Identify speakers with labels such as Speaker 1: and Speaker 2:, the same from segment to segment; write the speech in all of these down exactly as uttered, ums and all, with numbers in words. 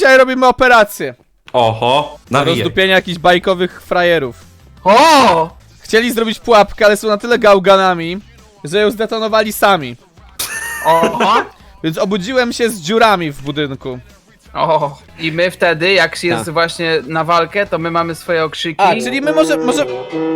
Speaker 1: Dzisiaj robimy operację.
Speaker 2: Oho,
Speaker 1: Na
Speaker 2: nawijaj.
Speaker 1: rozdupienie jakichś bajkowych frajerów.
Speaker 3: O!
Speaker 1: Chcieli zrobić pułapkę, ale są na tyle gałganami, że ją zdetonowali sami.
Speaker 3: Oho!
Speaker 1: Więc obudziłem się z dziurami w budynku.
Speaker 3: O! I my wtedy, jak jest właśnie na walkę, to my mamy swoje okrzyki.
Speaker 1: A, czyli my może... może...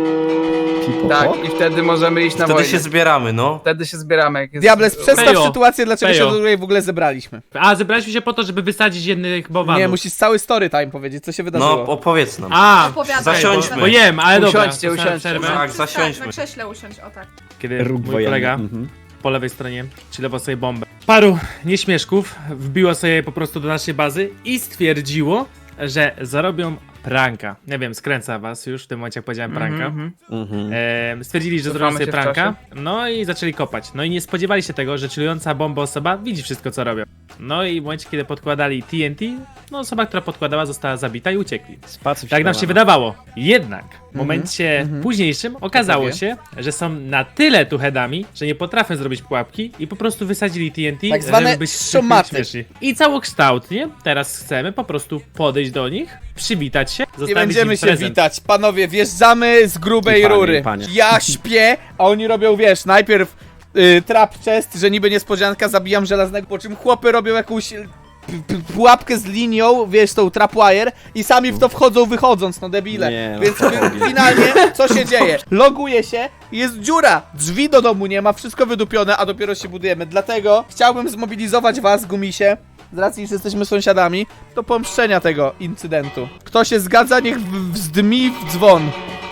Speaker 3: Tak, i wtedy możemy iść na
Speaker 2: Wtedy
Speaker 3: wojnę.
Speaker 2: się zbieramy, no.
Speaker 3: Wtedy się zbieramy, jak jest...
Speaker 1: Diables, przedstaw
Speaker 4: Pejo.
Speaker 1: sytuację, dlaczego
Speaker 4: Pejo.
Speaker 1: się tutaj w ogóle zebraliśmy.
Speaker 4: A, zebraliśmy się po to, żeby wysadzić jednych bałwanów.
Speaker 1: Nie, musisz cały story time powiedzieć, co się wydarzyło.
Speaker 2: No, opowiedz nam.
Speaker 4: A,
Speaker 5: Opowiadaj.
Speaker 2: Zasiądźmy.
Speaker 4: bo jem, ale dobra.
Speaker 3: Usiądźcie,
Speaker 4: to sobie
Speaker 3: usiądźcie.
Speaker 4: przerwę.
Speaker 2: Tak,
Speaker 5: Tak,
Speaker 2: zasiądźmy.
Speaker 5: na krześle usiąść, o tak.
Speaker 4: Kiedy
Speaker 6: Róg
Speaker 4: mój
Speaker 6: wojenny.
Speaker 4: kolega
Speaker 6: Mhm.
Speaker 4: po lewej stronie chillował sobie bombę. Paru nieśmieszków wbiło sobie po prostu do naszej bazy i stwierdziło, że zarobią pranka. Nie wiem, skręca was już w tym momencie, jak powiedziałem pranka.
Speaker 3: Mhm,
Speaker 6: Mhm.
Speaker 4: Ehm, stwierdzili, że
Speaker 3: Cofamy
Speaker 4: zrobią sobie
Speaker 3: się w
Speaker 4: pranka, no i zaczęli kopać. No i nie spodziewali się tego, że chillująca bomba osoba widzi wszystko, co robią. No i w momencie, kiedy podkładali T N T, no osoba, która podkładała, została zabita i uciekli.
Speaker 6: Spacer
Speaker 4: Tak nam się
Speaker 6: śpiewana.
Speaker 4: wydawało. Jednak w momencie
Speaker 1: mhm.
Speaker 4: późniejszym okazało
Speaker 1: Gotowie?
Speaker 4: się, że są na tyle tuchedami, że nie potrafią zrobić pułapki i po prostu wysadzili T N T,
Speaker 1: Tak zwane
Speaker 4: żeby być
Speaker 1: szomaty.
Speaker 4: śmieszni. I całokształtnie teraz chcemy po prostu podejść do nich, przywitać się,
Speaker 1: Nie
Speaker 4: zostawić
Speaker 1: będziemy
Speaker 4: im
Speaker 1: się
Speaker 4: prezent.
Speaker 1: witać, panowie, wjeżdżamy z grubej
Speaker 6: I panie,
Speaker 1: rury.
Speaker 6: i panie.
Speaker 1: Ja śpię, a oni robią, wiesz, najpierw y, trap chest, że niby niespodzianka, zabijam żelaznego, po czym chłopy robią jakąś y, p- p- pułapkę z linią, wiesz, tą trapwire i sami w to wchodzą wychodząc, no debile.
Speaker 6: Nie, no,
Speaker 1: Więc fi- finalnie, co się dzieje? Loguje się, jest dziura, drzwi do domu nie ma, wszystko wydupione, a dopiero się budujemy. Dlatego chciałbym zmobilizować was, Gumisie, z racji, że jesteśmy sąsiadami, do pomszczenia tego incydentu. Kto się zgadza, niech w- wzdmi w dzwon.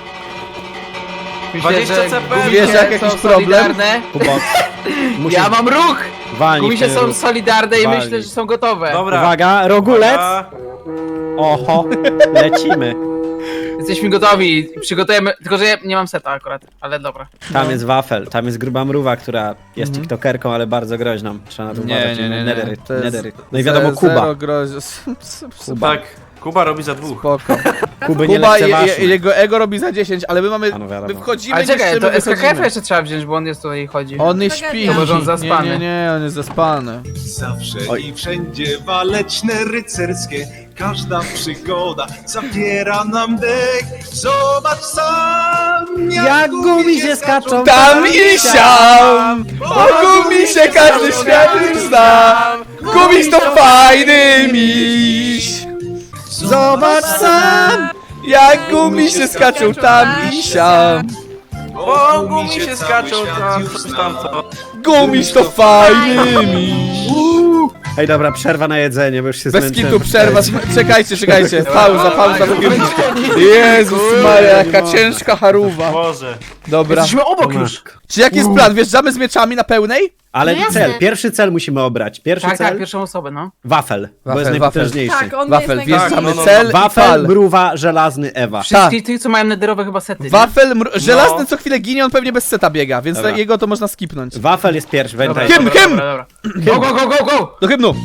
Speaker 3: Myślę,
Speaker 2: dwadzieścia
Speaker 3: że
Speaker 2: C P.
Speaker 3: gumisie
Speaker 1: Wiesz, jak jakiś
Speaker 3: są
Speaker 1: problem?
Speaker 3: solidarne.
Speaker 6: Kuba, musisz
Speaker 3: Ja mam ruch!
Speaker 6: walnić
Speaker 3: Gumisie
Speaker 6: ten
Speaker 3: są
Speaker 6: ruch.
Speaker 3: solidarne i
Speaker 6: Walnij.
Speaker 3: myślę, że są gotowe.
Speaker 2: Dobra.
Speaker 6: Uwaga, rogulec!
Speaker 2: Uwaga.
Speaker 6: Oho, lecimy.
Speaker 3: Jesteśmy gotowi, przygotujemy, tylko że ja nie mam seta akurat, ale dobra.
Speaker 6: Tam jest wafel, tam jest gruba mruwa, która jest tiktokerką, ale bardzo groźną. Trzeba na to uważać. Nedery,
Speaker 1: To jest
Speaker 6: nedery. No i wiadomo,
Speaker 1: ze-
Speaker 6: Kuba.
Speaker 1: zero grozi-
Speaker 2: Tak, Kuba robi za dwóch.
Speaker 1: Spoko.
Speaker 6: Kuby nie
Speaker 1: Kuba je, je,
Speaker 6: lekceważmy.
Speaker 1: jego ego robi za dziesięć, ale my mamy,
Speaker 6: A no wiadomo.
Speaker 1: my wchodzimy,
Speaker 3: Ale czekaj,
Speaker 1: niszczymy,
Speaker 3: to S K K F
Speaker 1: wychodzimy.
Speaker 3: jeszcze trzeba wziąć, bo on jest tutaj i chodzi.
Speaker 1: On nie
Speaker 5: Tragedia.
Speaker 1: śpi.
Speaker 5: To
Speaker 3: może on zaspany.
Speaker 1: Nie, nie, nie, on jest zaspany.
Speaker 7: Zawsze
Speaker 6: Oj.
Speaker 7: i wszędzie waleczne rycerskie, każda przygoda zabiera nam dech. Zobacz sam,
Speaker 6: Jak gumisie skaczą
Speaker 1: Tam i siam! O Gumisie każdy świat już zna! Gumiś to fajny miś!
Speaker 6: Zobacz sam!
Speaker 1: Jak Gumisie skaczą tam i siam!
Speaker 2: O, gumi się skaczą tam, coś tam, co.
Speaker 1: Gumiś to fajny miś!
Speaker 6: Ej, dobra, przerwa na jedzenie, bo już się
Speaker 1: Bez
Speaker 6: zmęczyłem.
Speaker 1: kitu przerwa, czekajcie, czekajcie, pauza, pauza, Jezus Maria, jaka ciężka haruwa.
Speaker 2: Boże.
Speaker 1: Dobra.
Speaker 3: Jesteśmy obok już.
Speaker 1: Czy jaki jest plan? Wjeżdżamy z mieczami na pełnej?
Speaker 6: Ale
Speaker 5: No jasne.
Speaker 6: cel, pierwszy cel musimy obrać. Pierwszy
Speaker 3: Tak, tak,
Speaker 6: cel,
Speaker 3: pierwszą osobę, no.
Speaker 6: wafel, bo
Speaker 1: Wafel,
Speaker 6: jest
Speaker 1: wafel.
Speaker 6: najpotężniejszy.
Speaker 5: Tak, on
Speaker 1: Wafel,
Speaker 5: jest
Speaker 1: wjeżdżamy,
Speaker 2: no, no, no.
Speaker 1: cel i
Speaker 6: Wafel,
Speaker 1: fal.
Speaker 6: mruwa, żelazny, Ewa.
Speaker 3: Wszystkich tych, co mają nederowe chyba sety, nie?
Speaker 1: Wafel, mr- żelazny co chwilę ginie, on pewnie bez seta biega, więc
Speaker 6: Dobra.
Speaker 1: jego to można skipnąć.
Speaker 6: Wafel jest pierwszy,
Speaker 3: Dobra,
Speaker 6: pamiętaj.
Speaker 1: Hymn,
Speaker 3: dobra,
Speaker 1: hymn!
Speaker 3: dobra, dobra. Go, go, go, go, go!
Speaker 1: Do hymnu!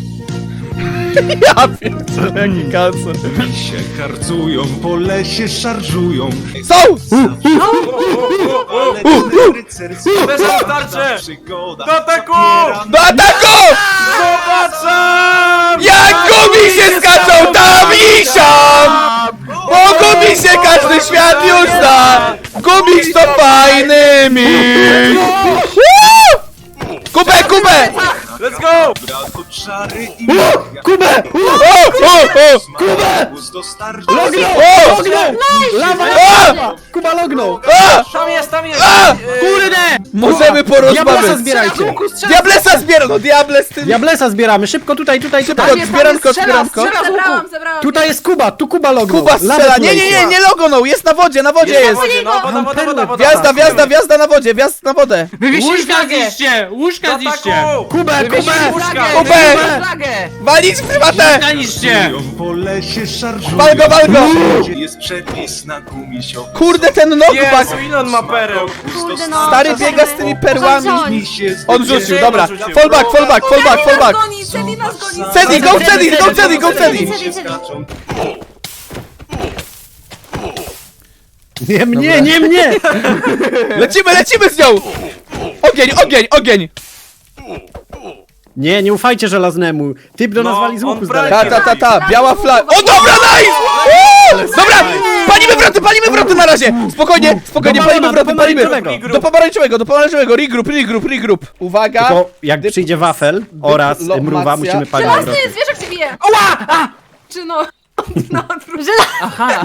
Speaker 1: Ja pierdolę, jaki kancer.
Speaker 7: się karcują, po lesie szarżują.
Speaker 1: Są!
Speaker 7: Waleczne rycerskie,
Speaker 2: Weszło w tarczę!
Speaker 7: przygoda
Speaker 2: Do ataku!
Speaker 7: zabiera
Speaker 1: Do ataku!
Speaker 2: Zobaczam!
Speaker 1: Jak gumisie skaczą tam i siam! Bo gumisie każdy świat już zna! Gumiś to fajny miś! Woo! Kubę, kubę!
Speaker 2: Let's go!
Speaker 7: Brat od szary i
Speaker 6: Kubę!
Speaker 1: O, o, o!
Speaker 7: Kubę! Dostarczy
Speaker 1: O!
Speaker 6: Lawa,
Speaker 1: A!
Speaker 6: lawa! Kuba lognął!
Speaker 1: A!
Speaker 2: Tam jest, tam jest!
Speaker 1: A!
Speaker 6: Kurde!
Speaker 1: Możemy
Speaker 6: Diablesa
Speaker 1: porozmawiać!
Speaker 6: zbierajcie!
Speaker 1: Diablesa zbiera! No diable z tym...
Speaker 6: Diablesa zbieramy, szybko tutaj, tutaj,
Speaker 1: Szybko,
Speaker 6: tutaj!
Speaker 1: zbieranko, zbieranko!
Speaker 5: Zebrałam, zebrałam.
Speaker 6: Tutaj jest Kuba, tu Kuba lognął!
Speaker 1: Kuba
Speaker 6: Lawę
Speaker 1: strzela!
Speaker 6: tu
Speaker 1: Nie, nie, nie,
Speaker 6: leci.
Speaker 1: nie logonął! Jest na wodzie, na wodzie
Speaker 2: Jest na
Speaker 1: jest!
Speaker 2: wodzie, no, woda, woda, woda, woda.
Speaker 1: Wjazda, wjazda, wjazda na wodzie, wjazd na wodę!
Speaker 3: Wywiesili
Speaker 4: Łóżka
Speaker 3: flagę!
Speaker 4: zniszcie! Łóżka
Speaker 2: Do
Speaker 4: zniszcie!
Speaker 2: ataku!
Speaker 6: Kubę,
Speaker 3: Wywiesili
Speaker 6: Kubę!
Speaker 3: flagę!
Speaker 1: Kubę!
Speaker 3: Wywiesili flagę!
Speaker 1: Walić w prywatę!
Speaker 4: Łóżka niszcie!
Speaker 7: po lesie szarżują.
Speaker 1: Wal go, wal go!
Speaker 7: Jest przepis na gumisio.
Speaker 1: Kurde, ten knockback!
Speaker 2: Jezu, ile on ma pereł?
Speaker 5: Kurde, no.
Speaker 1: Stary biega z tymi perłami!
Speaker 7: Gumisie
Speaker 1: On rzucił, dobra!
Speaker 2: Rzucił.
Speaker 1: Fall back, fall back, fall back, fall back!
Speaker 5: Goni, Cedi nas goni!
Speaker 1: Cedi, go Cedi, go Cedi, go Cedi!
Speaker 7: skaczą.
Speaker 6: Nie mnie, nie mnie!
Speaker 1: Lecimy, lecimy z nią! Ogień, ogień, ogień!
Speaker 6: Nie, nie ufajcie żelaznemu. Typ do nas
Speaker 2: No,
Speaker 6: wali z
Speaker 2: on
Speaker 6: łuku z
Speaker 2: brali-
Speaker 6: daleka.
Speaker 1: Ta, ta, ta, ta, biała flaga. O, dobra, nice! Uuu! Dobra, palimy wroty, palimy wroty na razie! Spokojnie, spokojnie,
Speaker 6: Do
Speaker 1: palimy
Speaker 6: balona,
Speaker 1: wroty,
Speaker 6: do
Speaker 1: palimy!
Speaker 6: pomarańczowego.
Speaker 1: Do pomarańczowego, do pomarańczowego, regroup, regroup, regroup. Uwaga!
Speaker 6: Tylko jak
Speaker 1: Dyp-
Speaker 6: przyjdzie wafel oraz
Speaker 1: dyplomacja.
Speaker 6: mruwa, musimy palić
Speaker 5: Żelazny
Speaker 6: wroty.
Speaker 5: zwierzak cię bije!
Speaker 3: Ła! A!
Speaker 5: Czy no... No,
Speaker 3: Aha!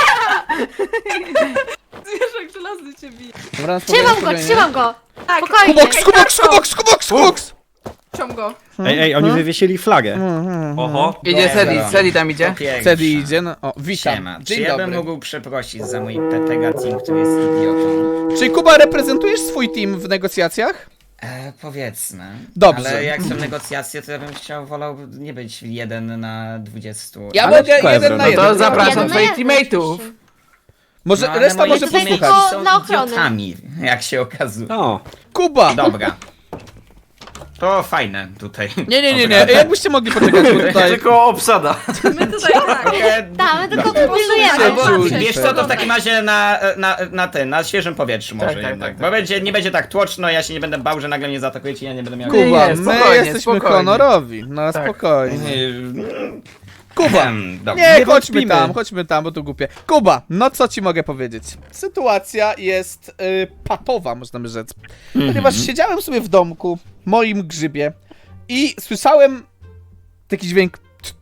Speaker 5: zwierzak żelazny cię bije.
Speaker 1: Dobra, spokojnie,
Speaker 8: Trzymam go,
Speaker 1: spokojnie.
Speaker 8: trzymam go!
Speaker 5: Tak,
Speaker 8: Spokojnie.
Speaker 1: Kuboks, kuboks, kuboks, kuboks, kuboks!
Speaker 5: ciąg go.
Speaker 6: Ej, ej, oni wywiesili flagę.
Speaker 2: Oho.
Speaker 3: Idzie Sedi, Sedi tam idzie.
Speaker 1: Wtedy idzie, no, o, witam.
Speaker 9: Siema. Czy
Speaker 1: Dzień
Speaker 9: ja bym
Speaker 1: dobry.
Speaker 9: mógł przeprosić za mój Tetega Team, który jest idiotą?
Speaker 1: Czyli Kuba, reprezentujesz swój team w negocjacjach?
Speaker 9: E, powiedzmy.
Speaker 1: Dobrze.
Speaker 9: Ale jak są negocjacje, to ja bym chciał, wolał nie być jeden na dwudziestu.
Speaker 1: Ja
Speaker 6: Ale
Speaker 1: mogę
Speaker 6: tylko
Speaker 1: jeden
Speaker 6: Ebron.
Speaker 1: na
Speaker 3: No
Speaker 1: jeden.
Speaker 3: to
Speaker 1: dobra.
Speaker 3: zapraszam
Speaker 8: Jeden na
Speaker 3: twoich
Speaker 8: jeden
Speaker 3: teammateów.
Speaker 8: oczywiście.
Speaker 1: Może,
Speaker 9: No, ale
Speaker 1: reszta
Speaker 9: moi
Speaker 1: może
Speaker 8: tutaj
Speaker 1: posłuchać.
Speaker 8: tylko-
Speaker 9: są
Speaker 8: na ochronę.
Speaker 9: idiotami, jak się okazuje.
Speaker 6: O,
Speaker 1: Kuba!
Speaker 9: Dobra. To fajne tutaj.
Speaker 1: Nie, nie, nie, nie, jakbyście mogli poczekać, bo tutaj...
Speaker 2: Tylko obsada.
Speaker 5: My tutaj tak.
Speaker 9: E,
Speaker 8: Tak, my tylko
Speaker 9: dobra.
Speaker 8: pilnujemy.
Speaker 1: Albo-
Speaker 9: Wiesz co, to w takim razie na, na, na ten, na świeżym powietrzu może
Speaker 3: Tak, tak,
Speaker 9: jednak.
Speaker 3: tak,
Speaker 9: Bo będzie, nie będzie tak tłoczno, ja się nie będę bał, że nagle mnie zaatakujecie i ja nie będę miał...
Speaker 1: Kuba,
Speaker 3: Nie,
Speaker 1: my
Speaker 3: spokojnie,
Speaker 1: jesteśmy
Speaker 3: spokojnie.
Speaker 1: honorowi, no
Speaker 3: Tak.
Speaker 1: spokojnie.
Speaker 9: Nie,
Speaker 1: Kuba!
Speaker 9: Em, dobra.
Speaker 1: Nie,
Speaker 6: Nie
Speaker 1: chodźmy
Speaker 6: wątpimy.
Speaker 1: tam, chodźmy tam, bo to głupie. Kuba, no co ci mogę powiedzieć? Sytuacja jest y, patowa, można by rzec. Ponieważ siedziałem sobie w domku, moim grzybie i słyszałem taki dźwięk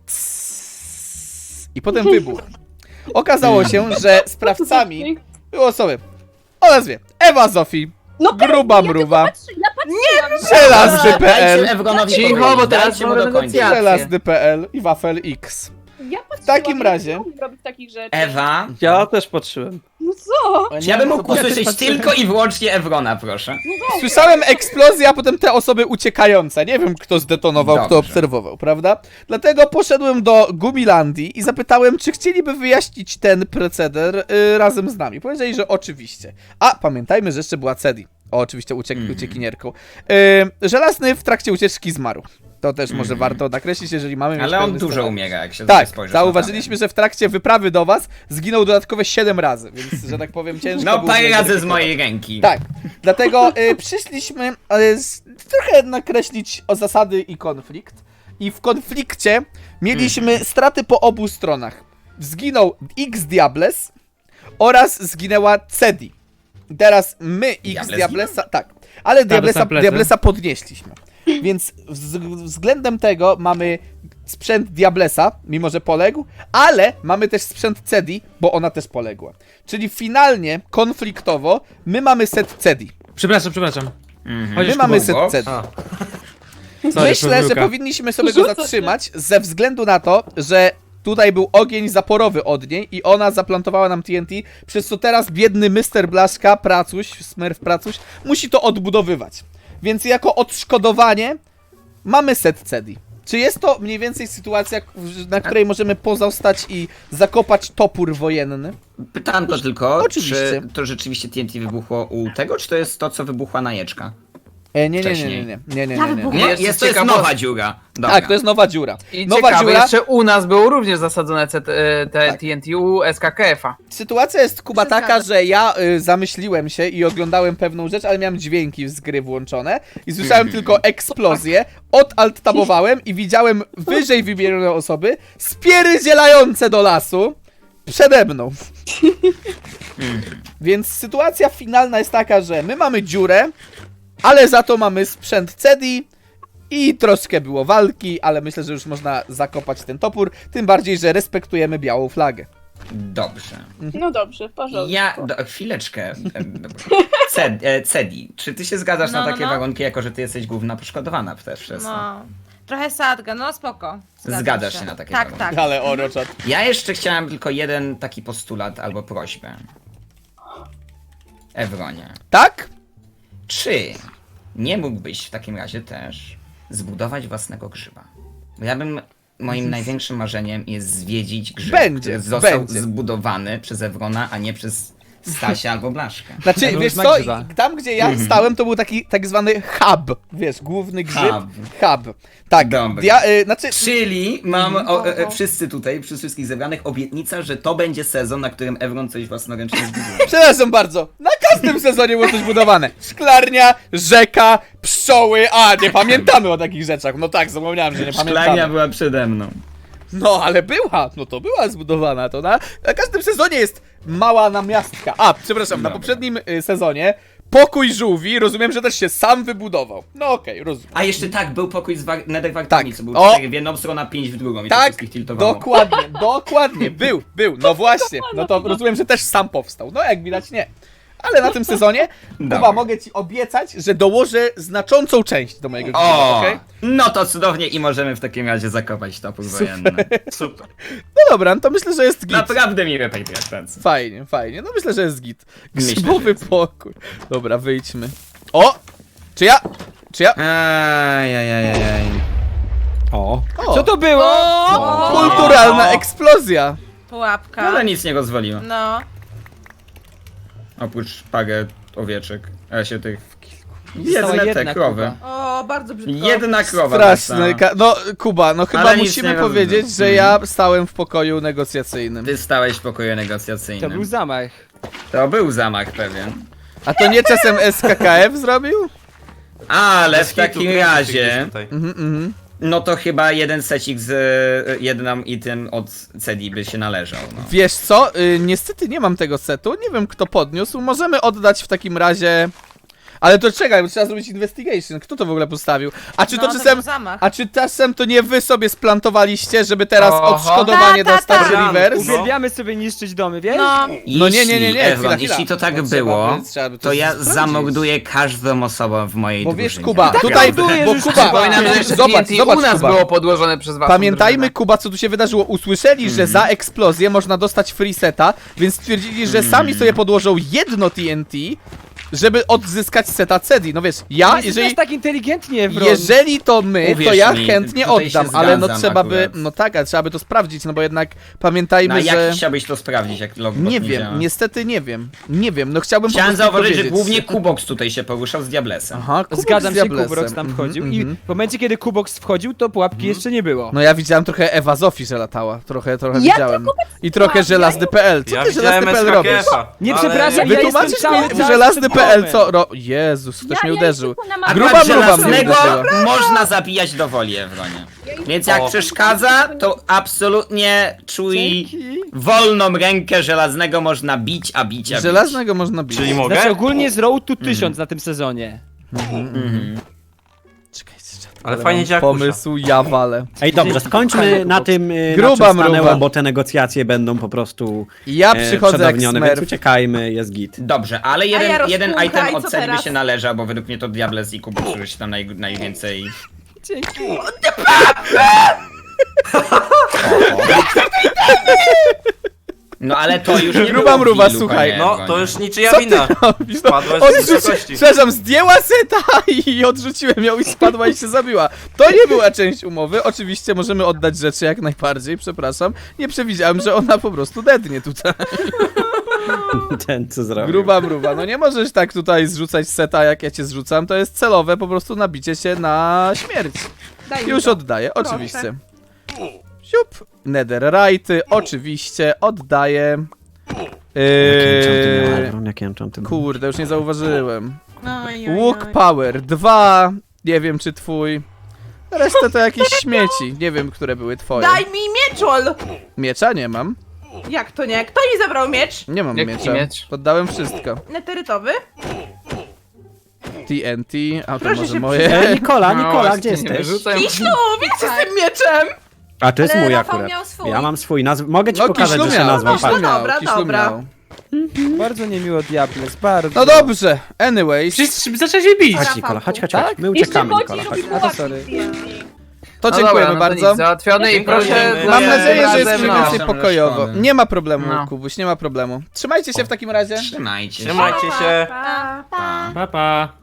Speaker 1: i potem wybuch. Okazało się, że sprawcami było osoby o nazwie Ewa Zofii,
Speaker 5: No
Speaker 1: Gruba Mruwa,
Speaker 5: Ja patrzyłam.
Speaker 1: Żelazny
Speaker 9: Dajcie
Speaker 1: P L,
Speaker 9: Ewronowi
Speaker 3: Cicho,
Speaker 9: powiedzieć,
Speaker 3: bo teraz
Speaker 9: dajcie mu
Speaker 3: mamy
Speaker 9: dokończyć.
Speaker 3: negocjacje.
Speaker 1: Żelazny P L i Wafel X.
Speaker 5: Ja patrzyłam.
Speaker 1: takim
Speaker 5: ja
Speaker 1: razie-
Speaker 5: nie umiem robić takich rzeczy.
Speaker 9: Ewa,
Speaker 6: ja też patrzyłem.
Speaker 5: No co?
Speaker 9: czy ja bym mógł usłyszeć tylko i wyłącznie Ewrona, proszę.
Speaker 1: Słyszałem eksplozję, a potem te osoby uciekające. Nie wiem, kto zdetonował, kto
Speaker 9: Dobrze.
Speaker 1: obserwował, prawda? Dlatego poszedłem do Gumilandii i zapytałem, czy chcieliby wyjaśnić ten proceder y, razem z nami. Powiedzieli, że oczywiście. A, pamiętajmy, że jeszcze była Cedi. O, oczywiście uciek
Speaker 9: Mm.
Speaker 1: uciekinierką. Y, Żelazny w trakcie ucieczki zmarł. To też może warto nakreślić, jeżeli mamy mieć
Speaker 9: Ale on
Speaker 1: pełny
Speaker 9: dużo
Speaker 1: schemat.
Speaker 9: umiera, jak się
Speaker 1: Tak,
Speaker 9: spojrzysz na
Speaker 1: zauważyliśmy, że w trakcie wyprawy do was zginął dodatkowe siedem razy, więc, że tak powiem, ciężko
Speaker 9: No
Speaker 1: było
Speaker 9: parę razy z
Speaker 1: zweryfikować.
Speaker 9: mojej ręki.
Speaker 1: Tak, dlatego y, przyszliśmy y, z, trochę nakreślić o zasady i konflikt. I w konflikcie mieliśmy straty po obu stronach. Zginął X Diables oraz zginęła Cedi. Teraz my X
Speaker 9: Diables
Speaker 1: Diablesa, tak, ale Diablesa,
Speaker 4: na plecy.
Speaker 1: Diablesa podnieśliśmy. Więc wz- względem tego mamy sprzęt Diablesa, mimo że poległ, ale mamy też sprzęt Cedi, bo ona też poległa. Czyli finalnie, konfliktowo, my mamy set Cedi.
Speaker 4: Przepraszam, przepraszam.
Speaker 9: Mhm.
Speaker 1: My
Speaker 4: Chociaż
Speaker 1: mamy
Speaker 4: Kuba.
Speaker 1: set Cedi.
Speaker 2: A.
Speaker 4: Sorry,
Speaker 1: Myślę, że
Speaker 4: pomyłka.
Speaker 1: powinniśmy sobie go zatrzymać ze względu na to, że tutaj był ogień zaporowy od niej i ona zaplantowała nam T N T, przez co teraz biedny mister Blaszka, Pracuś, Smurf Pracuś, musi to odbudowywać. Więc jako odszkodowanie mamy set Cedi. Czy jest to mniej więcej sytuacja, na której możemy pozostać i zakopać topór wojenny?
Speaker 9: Pytanko tylko,
Speaker 1: Oczywiście.
Speaker 9: czy to rzeczywiście T N T wybuchło u tego, czy to jest to, co wybuchła na jeczka?
Speaker 1: E, nie, nie, nie, nie,
Speaker 9: Wcześniej.
Speaker 1: nie, nie, nie,
Speaker 8: Ja
Speaker 1: nie, nie.
Speaker 8: wybuchłam.
Speaker 9: Nie,
Speaker 3: Jeszcze
Speaker 9: jest, to jest
Speaker 3: ciekawostka.
Speaker 9: nowa dziura. Dobra.
Speaker 1: Tak, to jest nowa dziura.
Speaker 3: I
Speaker 1: Nowa
Speaker 3: ciekawe,
Speaker 1: dziura.
Speaker 3: jeszcze u nas było również zasadzone C T, e, te
Speaker 1: Tak.
Speaker 3: T N T u S K K F-a.
Speaker 1: Sytuacja jest, Kuba,
Speaker 5: Się
Speaker 1: taka,
Speaker 5: zgadza.
Speaker 1: że ja y, zamyśliłem się i oglądałem pewną rzecz, ale miałem dźwięki z gry włączone i słyszałem tylko eksplozję, odaltabowałem i widziałem wyżej wymienione osoby spierdzielające do lasu przede mną. Więc sytuacja finalna jest taka, że my mamy dziurę, ale za to mamy sprzęt Cedi i troszkę było walki, ale myślę, że już można zakopać ten topór, tym bardziej, że respektujemy białą flagę.
Speaker 9: Dobrze.
Speaker 5: No dobrze, w porządku.
Speaker 9: Ja, do, chwileczkę. Em, Ced, e, Cedi, czy ty się zgadzasz
Speaker 8: No,
Speaker 9: na
Speaker 8: no,
Speaker 9: takie
Speaker 8: no.
Speaker 9: warunki, jako że ty jesteś główna poszkodowana też przez to?
Speaker 8: No. Trochę sadga, no spoko. Zgadzam
Speaker 9: Zgadzasz się na takie
Speaker 8: Tak,
Speaker 9: warunki.
Speaker 8: tak.
Speaker 1: Ale oroczat.
Speaker 9: Ja jeszcze chciałem tylko jeden taki postulat albo prośbę. Ewronie,
Speaker 1: Tak?
Speaker 9: czy nie mógłbyś w takim razie też zbudować własnego grzyba? Bo ja bym, moim największym marzeniem jest zwiedzić grzyb,
Speaker 1: Będzie,
Speaker 9: który został
Speaker 1: będzie.
Speaker 9: zbudowany przez Ewrona, a nie przez Stasia albo Blaszka.
Speaker 1: Znaczy,
Speaker 10: Różna
Speaker 1: wiesz co,
Speaker 10: grzyba.
Speaker 1: tam gdzie ja stałem, to był taki tak zwany hub, wiesz, główny grzyb,
Speaker 9: Hub.
Speaker 1: hub. Tak,
Speaker 9: Dobra.
Speaker 1: dia, y, znaczy,
Speaker 9: Czyli mam o, e, e, wszyscy tutaj, przy wszystkich zebranych, obietnica, że to będzie sezon, na którym Evron coś własnoręcznie zbuduje.
Speaker 1: przepraszam bardzo, na każdym sezonie było coś budowane. Szklarnia, rzeka, pszczoły, a nie pamiętamy o takich rzeczach, no tak, zapomniałem, że nie
Speaker 9: Szklania
Speaker 1: pamiętamy.
Speaker 9: była przede mną.
Speaker 1: No, ale była, no to była zbudowana, to na, na każdym sezonie jest mała namiastka. A, przepraszam, na
Speaker 9: Dobra.
Speaker 1: poprzednim y, sezonie pokój żółwi, rozumiem, że też się sam wybudował. No okej, rozumiem.
Speaker 9: A jeszcze tak, był pokój z war- Netherwartami,
Speaker 1: Tak.
Speaker 9: co był
Speaker 1: O!
Speaker 9: cztery w jedną stronę, a pięć w drugą i to
Speaker 1: Tak,
Speaker 9: wszystkich tiltowało.
Speaker 1: dokładnie, dokładnie, był, był, no właśnie, no to rozumiem, że też sam powstał, no jak widać nie. Ale na tym sezonie, Kuba,
Speaker 9: Dobra.
Speaker 1: mogę ci obiecać, że dołożę znaczącą część do mojego grzyba,
Speaker 9: O,
Speaker 1: okej?
Speaker 9: no to cudownie i możemy w takim razie zakopać topór wojenny.
Speaker 2: Super.
Speaker 1: No dobra, no to myślę, że jest git.
Speaker 9: Naprawdę miłe paytransy.
Speaker 1: Fajnie, fajnie, no myślę, że jest git.
Speaker 9: Myślę,
Speaker 1: Grzybowy
Speaker 9: że jest.
Speaker 1: pokój. Dobra, wyjdźmy. O! Czy ja? Czy ja?
Speaker 9: Ajajajajaj.
Speaker 6: O,
Speaker 1: O,
Speaker 10: Co to było?
Speaker 1: kulturalna eksplozja.
Speaker 8: Pułapka.
Speaker 9: Ale nic nie rozwaliło.
Speaker 8: No.
Speaker 9: Oprócz parę owieczek. A się tych...
Speaker 10: Została
Speaker 9: Jedne te
Speaker 10: jedna
Speaker 9: krowy.
Speaker 8: O, bardzo brzydko.
Speaker 9: Jedna krowa.
Speaker 1: Straszny. Ka- no, Kuba, no chyba
Speaker 9: Ale nic
Speaker 1: musimy
Speaker 9: nie rozumiem.
Speaker 1: powiedzieć, że ja stałem w pokoju negocjacyjnym.
Speaker 9: Ty stałeś w pokoju
Speaker 10: To
Speaker 9: negocjacyjnym.
Speaker 10: był zamach.
Speaker 9: To był zamach pewien.
Speaker 1: A to nie czasem S K K F zrobił?
Speaker 9: Ale
Speaker 2: Bez
Speaker 9: w
Speaker 2: hitu,
Speaker 9: takim
Speaker 2: kręci się
Speaker 9: razie,
Speaker 2: gdzieś tutaj.
Speaker 1: Mhm, mhm.
Speaker 9: no to chyba jeden secik z y, jedną i tym od Cedi by się należał. No.
Speaker 1: Wiesz co, y, niestety nie mam tego setu, nie wiem kto podniósł, możemy oddać w takim razie... Ale to czekaj, bo trzeba zrobić investigation, kto to w ogóle postawił? A czy
Speaker 8: No,
Speaker 1: to
Speaker 8: to
Speaker 1: czasem...
Speaker 8: był zamach.
Speaker 1: A czy czasem to nie wy sobie splantowaliście, żeby teraz
Speaker 3: Oho.
Speaker 1: odszkodowanie
Speaker 8: Ta, ta,
Speaker 1: dostać
Speaker 8: ta.
Speaker 1: Reverse?
Speaker 2: No.
Speaker 10: Uwielbiamy sobie niszczyć domy, wiesz?
Speaker 8: No.
Speaker 1: No nie, nie, nie, nie,
Speaker 9: Jeśli,
Speaker 1: chwila,
Speaker 9: Ewron,
Speaker 1: chwila.
Speaker 9: jeśli to tak
Speaker 1: To trzeba
Speaker 9: było,
Speaker 1: by- trzeba by to
Speaker 9: to ja
Speaker 1: sprawdzić.
Speaker 9: zamorduję każdą osobę w mojej
Speaker 1: Bo wiesz,
Speaker 9: drużynie.
Speaker 1: Kuba,
Speaker 9: Naprawdę.
Speaker 1: tutaj,
Speaker 10: Budujesz
Speaker 1: bo
Speaker 10: już
Speaker 1: Kuba,
Speaker 3: Przypominam, że jeszcze
Speaker 1: zobacz,
Speaker 3: T N T
Speaker 1: zobacz,
Speaker 3: u nas
Speaker 1: Kuba.
Speaker 3: było podłożone przez was.
Speaker 1: Pamiętajmy, Kuba, co tu się wydarzyło. Usłyszeli, że
Speaker 9: Mhm.
Speaker 1: za eksplozję można dostać free seta, więc stwierdzili, że
Speaker 9: Mhm.
Speaker 1: sami sobie podłożą jedno T N T, żeby odzyskać seta Cedi. No wiesz, ja,
Speaker 10: Jesteś
Speaker 1: jeżeli...
Speaker 10: aż tak inteligentnie, Evron.
Speaker 1: Jeżeli to my, to
Speaker 9: Uwierz
Speaker 1: ja
Speaker 9: mi,
Speaker 1: chętnie
Speaker 9: tutaj się
Speaker 1: oddam, ale no
Speaker 9: zgadzam
Speaker 1: trzeba by,
Speaker 9: akurat.
Speaker 1: no tak, ale trzeba by to sprawdzić, no bo jednak pamiętajmy,
Speaker 9: No a
Speaker 1: że...
Speaker 9: jak chciałbyś to sprawdzić, jak logbot
Speaker 1: Nie
Speaker 9: nie
Speaker 1: wiem,
Speaker 9: działa?
Speaker 1: niestety nie wiem, nie wiem, no chciałbym po
Speaker 9: Chciałem
Speaker 1: prostu
Speaker 9: zauważyć, że
Speaker 1: powiedzieć.
Speaker 9: głównie Kubox tutaj się poruszał z Diablesem.
Speaker 1: Aha, Kubok
Speaker 10: Zgadzam
Speaker 1: z
Speaker 10: się,
Speaker 1: Diablesem.
Speaker 10: Kubrox tam
Speaker 1: Mhm,
Speaker 10: wchodził
Speaker 1: mhm.
Speaker 10: i w momencie, kiedy Kubox wchodził, to pułapki jeszcze nie było.
Speaker 1: No ja widziałem trochę Ewa Zofii, że latała, trochę, trochę
Speaker 5: Ja
Speaker 1: widziałem. I trochę żelazny kropka p l. Co
Speaker 2: Ja
Speaker 1: ty żelazny
Speaker 2: widziałem
Speaker 1: kropka p l robisz?
Speaker 2: S K K F-a.
Speaker 10: Nie
Speaker 2: ale-
Speaker 10: przepraszam, ja
Speaker 1: Wytłumaczysz
Speaker 10: jestem cały
Speaker 1: mi
Speaker 10: czas
Speaker 1: żelazny
Speaker 10: przed
Speaker 1: kropka p l,
Speaker 10: domem.
Speaker 1: co? Ro... Jezus, ktoś
Speaker 5: Ja-
Speaker 1: mnie
Speaker 5: ja
Speaker 1: uderzył.
Speaker 5: jestem na
Speaker 9: Akurat
Speaker 1: Gruba mruwa mnie
Speaker 9: żelaznego
Speaker 1: uderzyła.
Speaker 9: można zabijać do woli, Ewronie. Więc jak
Speaker 2: O.
Speaker 9: przeszkadza, to absolutnie czuj
Speaker 10: Dzięki.
Speaker 9: wolną rękę żelaznego można bić, a bić, a bić.
Speaker 1: Żelaznego można bić.
Speaker 2: Czyli mogę?
Speaker 10: Znaczy ogólnie z Road to tysiąc na tym sezonie.
Speaker 9: Mhm.
Speaker 1: Czekajcie, czekajcie.
Speaker 2: Ale fajnie działa
Speaker 1: Pomysł, ja walę.
Speaker 6: Ej, dobrze, skończmy na tym, y,
Speaker 1: Gruba
Speaker 6: na czym stanęło,
Speaker 1: mruwa.
Speaker 6: bo te negocjacje będą po prostu
Speaker 1: Ja
Speaker 6: e,
Speaker 1: przychodzę jak
Speaker 6: przedawnione, więc
Speaker 1: smerf.
Speaker 6: uciekajmy, jest git.
Speaker 9: Dobrze, ale jeden,
Speaker 8: ja
Speaker 9: jeden
Speaker 8: rozpłukaj,
Speaker 9: item od
Speaker 8: co
Speaker 9: Cedi by
Speaker 8: teraz?
Speaker 9: się należał, bo według mnie to Diables i Kubox, którzy się tam naj, najwięcej...
Speaker 10: Dzięki.
Speaker 9: No ale to już nie
Speaker 1: Gruba
Speaker 9: było
Speaker 1: mruwa,
Speaker 9: dealu,
Speaker 1: słuchaj.
Speaker 9: panie
Speaker 2: No,
Speaker 9: Ewronie.
Speaker 2: to już niczyja
Speaker 1: Co ty
Speaker 2: wina.
Speaker 1: robisz? No,
Speaker 2: Spadłaś z
Speaker 1: odrzuci...
Speaker 2: wysokości.
Speaker 1: Przepraszam, zdjęła seta i odrzuciłem ją i spadła i się zabiła. To nie była część umowy. Oczywiście możemy oddać rzeczy jak najbardziej, przepraszam. Nie przewidziałem, że ona po prostu dednie tutaj.
Speaker 6: Ten, co zrobił.
Speaker 1: Gruba mruwa. No nie możesz tak tutaj zrzucać seta, jak ja cię zrzucam. To jest celowe po prostu nabicie się na śmierć.
Speaker 8: Daj mi
Speaker 1: Już
Speaker 8: to.
Speaker 1: oddaję,
Speaker 8: Proszę.
Speaker 1: oczywiście. Siup. Netherrighty, oczywiście, oddaję.
Speaker 6: Jakie enchanty miał
Speaker 1: Yy,
Speaker 6: Evron? Jakie enchanty miał?
Speaker 1: kurde, już nie zauważyłem.
Speaker 8: Oj, oj,
Speaker 1: Łuk
Speaker 8: oj.
Speaker 1: Power dwa. Nie wiem czy twój. Resztę to jakieś śmieci. Nie wiem, które były twoje.
Speaker 8: Daj mi mieczol!
Speaker 1: Miecza nie mam.
Speaker 8: Jak to nie? Kto mi zabrał miecz?
Speaker 1: Nie mam
Speaker 3: Jaki
Speaker 1: miecza.
Speaker 3: miecz?
Speaker 1: Poddałem wszystko.
Speaker 8: Neterytowy?
Speaker 1: T N T, a to
Speaker 8: Proszę
Speaker 1: może
Speaker 8: się
Speaker 1: moje.
Speaker 6: E, Nikola,
Speaker 3: No,
Speaker 6: Nikola,
Speaker 3: właśnie,
Speaker 6: gdzie
Speaker 3: nie
Speaker 6: jesteś?
Speaker 3: wyrzucaj.
Speaker 8: Kiślu, wiecie z tym mieczem!
Speaker 6: A to jest
Speaker 8: Ale
Speaker 6: mój
Speaker 8: Rafał
Speaker 6: akurat.
Speaker 8: miał swój.
Speaker 6: Ja mam swój, nazw... mogę ci
Speaker 1: No
Speaker 6: pokazać,
Speaker 1: Kiślu
Speaker 6: że się
Speaker 1: miał,
Speaker 6: nazwał.
Speaker 1: Kiślu
Speaker 8: No
Speaker 6: Patrz.
Speaker 1: miał,
Speaker 8: dobra,
Speaker 1: Kiślu
Speaker 8: dobra.
Speaker 1: miał.
Speaker 10: Bardzo niemiło Diables, bardzo.
Speaker 1: No dobrze, anyways.
Speaker 4: Wszyscy zaczęli się bić.
Speaker 6: Chodź Nikola, chodź, chodź,
Speaker 10: Tak?
Speaker 6: chodź. My
Speaker 5: Jeszcze
Speaker 6: uciekamy,
Speaker 5: chodzi
Speaker 6: Nikola,
Speaker 5: i
Speaker 6: chodź.
Speaker 5: robi
Speaker 10: A to
Speaker 5: pułapki
Speaker 10: sorry.
Speaker 5: z T N T.
Speaker 1: To
Speaker 3: No
Speaker 1: dziękujemy
Speaker 3: dobra, no to
Speaker 1: bardzo.
Speaker 3: nic, załatwione i proszę...
Speaker 2: Dziękujemy.
Speaker 1: Mam
Speaker 3: e,
Speaker 1: nadzieję, że
Speaker 3: razem,
Speaker 1: jest mniej
Speaker 3: no.
Speaker 1: więcej
Speaker 9: Razem
Speaker 1: pokojowo.
Speaker 9: resztony.
Speaker 1: Nie ma problemu,
Speaker 3: No.
Speaker 1: Kubuś, nie ma problemu. Trzymajcie się w takim razie.
Speaker 9: Trzymajcie się.
Speaker 2: Trzymajcie się.
Speaker 8: Pa, pa.
Speaker 9: Pa.
Speaker 4: Pa, pa.